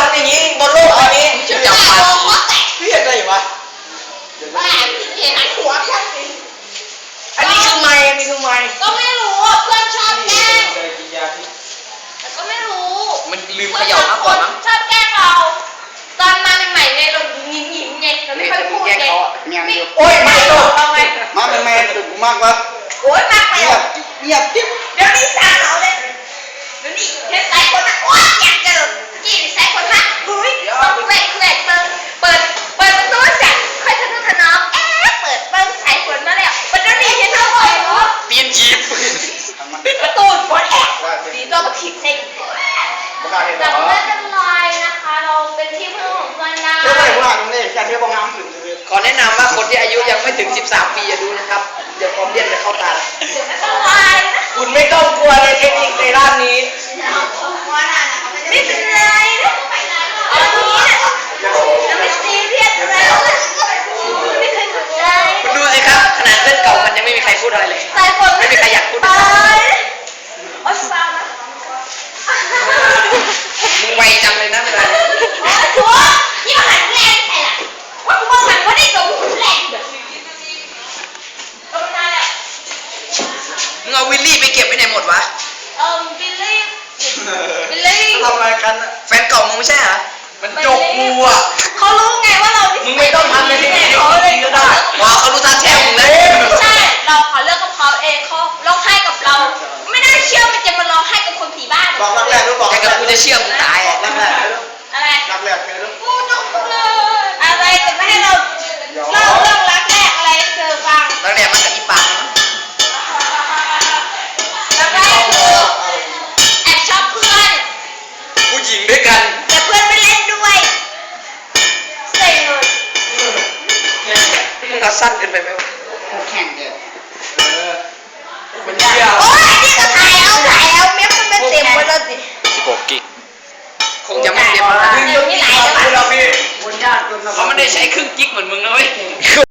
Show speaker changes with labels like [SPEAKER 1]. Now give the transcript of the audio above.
[SPEAKER 1] ำอย่างนี้บนโลกอันนี้จะจับมันเรียกได้วะ
[SPEAKER 2] บ้าเห็นหัวกัน
[SPEAKER 1] อันนี้คือไม้อันนี้คือไม้
[SPEAKER 2] ก็ไม่รู้เพื่อนชอบแกล้งแต่ก็ไม่รู้
[SPEAKER 1] มันลืมเขย่ามากกว่ามั้ง
[SPEAKER 2] ชอบแกล้งเราตอนมาใหม่ๆไงเราหยิ้มๆไงเราไม่ค่อยพูดไง
[SPEAKER 1] โอ้ยไม่ตก
[SPEAKER 2] เราไง
[SPEAKER 1] มาเป็นแม่ถึงมากวะ
[SPEAKER 2] โอ้ยมากไป
[SPEAKER 1] เงียบจิ๊บ
[SPEAKER 2] เดี๋ยวนี้สาวเขาเลยเดี๋ยวนี้เห็นสายคนนะโอ๊ยอยากเจอยี่สายคนนะเฮ้ยต้องแหวกเปิดประตูจัดค่อยทะนุถนอมเปิดเบิ้งสายฝนมาแล้วมันจะดีเห็นเท่าไหร่เนาะ
[SPEAKER 1] เปลี่ยนจีบ
[SPEAKER 2] ประตูฝนดีตัวมาถีบเซ็งจำได้จังเลยนะคะเราเป็นที่พึ่งของเพื่อนนะ
[SPEAKER 1] เชื่อไหมพวกเราตรงนี้จะเชื่อบ้องน้ำถึงขอแนะนำว่าคนที่อายุยังไม่ถึง13 ปีอย่าดูนะครับเดี๋ยวความเย็นจะเข้าตาคุณไม่ต้องกลัวในเทคนิคในด้านนี้
[SPEAKER 2] ไม่เป็นไรนะเอาทีนะจะไม่ซีเรียสอะไรไม่เคยสนใจ
[SPEAKER 1] คุณดูสิครับขนาดเพื่อนเก่ามันยังไม่มีใครพูดอะไรเลยไม่มีใครอยากพูด
[SPEAKER 2] โอ๊ยฟังนะ
[SPEAKER 1] มึงไวจังเลยนะเวลา
[SPEAKER 2] โอ๊ยชัวนี่มาหันแรงใช่ไหมว่ากูมองหันว่าได้ตรงแรงแบบตรงนั้นแหละ
[SPEAKER 1] มึงเอาวิลลี่ไปเก็บไว้ไหนหมดวะ
[SPEAKER 2] บิลลี่
[SPEAKER 1] ทำอะไรกันแฟนเก่ามึงไม่ใช่เหรอมันจกงูอ่ะ
[SPEAKER 2] เขารู้ไงว่าเรา
[SPEAKER 1] มึงไม่ต้องทำในที่นี้เขาเลยก็ได้ว้าเขารู้ทันแช่มึงเลย
[SPEAKER 2] ใช่เราขอเลิกกับเขาเองเขาร้องไห้กับเราไม่ได้เชื่อมันจะมาร้องไห้กับคนผีบ้าน
[SPEAKER 1] บอกรักแรกรู้บอกแต่กับกูจะเชื่อมึงตายอ่ะรักแรก
[SPEAKER 2] อะไร
[SPEAKER 1] รักแรกเคยรู้
[SPEAKER 2] กูจงเลยอะไรจะไม่ให้เราเล่าเรื่องรักแรกอะไรเธอฟัง
[SPEAKER 1] รักแรกมันกับอีปัง
[SPEAKER 2] รักแรกคือแอบชอบเพื่อน
[SPEAKER 1] ผู้หญิงด้วยกัน
[SPEAKER 2] แต่เพื่อนไม่เล่นด้วยเซ็งเลย
[SPEAKER 1] มึงเอาสั้นเกินไปไหมวะแข่งเด็ดมันยาว
[SPEAKER 2] โอ้ยนี่ก็ถ่ายเอาเม็ดมันไม่เต็มไปแล้วสิ
[SPEAKER 1] 16 กิกคงจะไม่เต็มนะ
[SPEAKER 2] นี่หลายแล้ว
[SPEAKER 1] เขาไม่ได้ใช้ครึ่งกิกเหมือนมึงนะเว้ย